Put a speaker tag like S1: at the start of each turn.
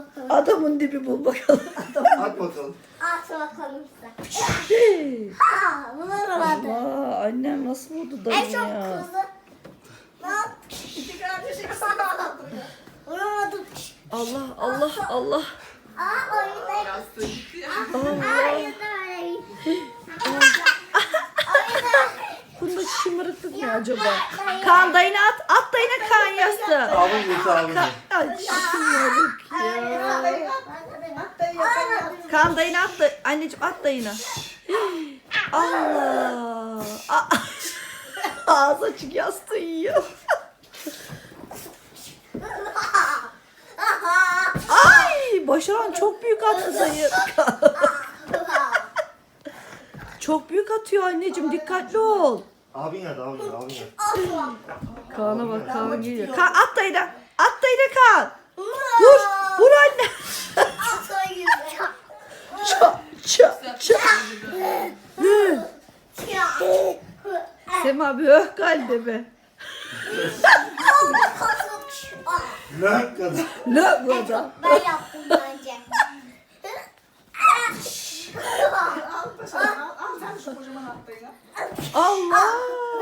S1: bakalım.
S2: Adamın dibi bul bakalım.
S3: At bakalım.
S1: At bakalım sen.
S2: Hey.
S1: Ha, bulamadım.
S2: Allah, annem nasıl buldu
S1: En
S2: dayı
S1: çok
S2: ya?
S1: kızı. Ne yaptın?
S4: İki kardeş ikisi
S1: Bulamadım.
S2: Allah Allah Allah.
S1: Aa oyunda.
S4: yastığı gitti ya.
S1: Aa oyunda öyle gitti. Oyunda.
S2: Bunda şımarıklık ne acaba? Kaan dayına at. At dayına Kaan yastığı.
S3: Abim götür abim.
S2: Ay şımarık ya.
S4: Hatta yapamadım.
S2: Kaan dayına at da. Anneciğim at dayına. Allah. Ağız açık yastığı yiyor. Ay Başaran çok büyük attı dayı. Çok büyük atıyor anneciğim, dikkatli ol.
S3: Abin nerede abin nerede abin nerede?
S2: Kaan'a bak, Kaan geliyor. Kaan at dayına. At dayına Kaan. Vur. Vur anne. Çat çat çat. Sema bir öh kalbime.
S3: Ne kadar?
S2: Ne bu adam?
S1: Ben yaptım bence.
S4: Al paşam al. Al sen şu kocaman attığını.
S2: Allah.